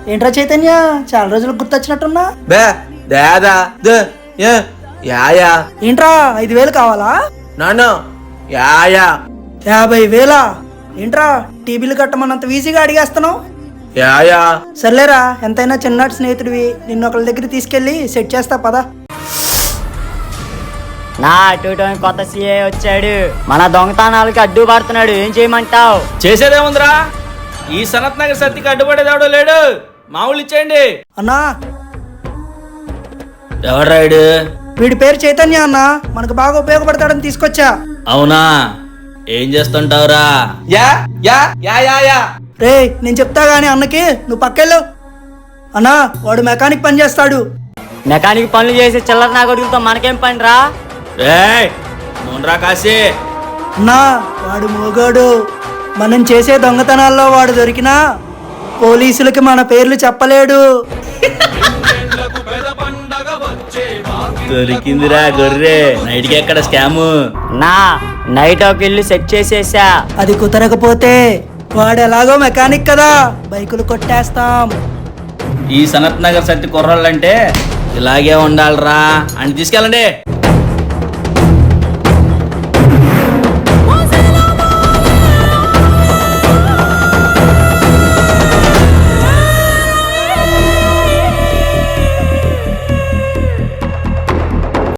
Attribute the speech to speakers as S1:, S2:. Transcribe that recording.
S1: ఏంట్రా చైతన్య, చాలా రోజులకు గుర్తొచ్చినట్టున్నా.
S2: బే దాదా యాయా
S1: ఏంట్రా 5,000 కావాలా?
S2: నాన్న యాయా
S1: 50,000? ఏంట్రా టీబీలు కట్టమన్నంత ఈజీగా అడిగేస్తున్నావు?
S2: యాయా
S1: సర్లేరా, ఎంతైనా చిన్ననాటి స్నేహితుడివి, నిన్ను ఒకళ్ళ దగ్గర తీసుకెళ్లి సెట్ చేస్తా పదా.
S3: నా అటు కొత్త సీఏ వచ్చాడు, మన దొంగతనాలకి అడ్డు పడుతున్నాడు. ఏం చేయమంటావు?
S4: చేసేదేముందిరా, ఈ సనత్ నగర్ సత్తికి అడ్డుపడేది ఎవడో లేడు. మామూలు ఇచ్చేయండి.
S1: అన్నా,
S4: ఎవడ్రాయుడు?
S1: వీడి పేరు చైతన్య అన్నా, మనకు బాగా ఉపయోగపడతాడని తీసుకొచ్చా.
S4: అవునా, ఏం చేస్తుంటావురా?
S2: యా యా యా యా యా
S1: రే, నేను చెప్తా గానీ అన్నకి, నువ్వు పక్కెళ్ళు. అన్నా, వాడు మెకానిక్ పని చేస్తాడు.
S3: మెకానిక్ పనులు చేసి చిల్లర నా కొడుకులతో మనకేం పని రా?
S4: నూనెరా కాశీ.
S1: అన్నా, వాడు మోగాడు. మనం చేసే దొంగతనాల్లో వాడు దొరికినా పోలీసులకి మన పేర్లు చెప్పలేడు.
S4: దొరికిందిరా గొర్రె, నైట్కి ఎక్కడ స్కాము?
S3: నా నైట్ ఒక ఇల్లు సెట్ చేసేసా.
S1: అది కుదరకపోతే వాడు ఎలాగో మెకానిక్ కదా, బైకులు కొట్టేస్తాం.
S4: ఈ సనత్ నగర్ సత్తి కుర్రాళ్ళంటే ఇలాగే ఉండాలిరా అని తీసుకెళ్ళండి.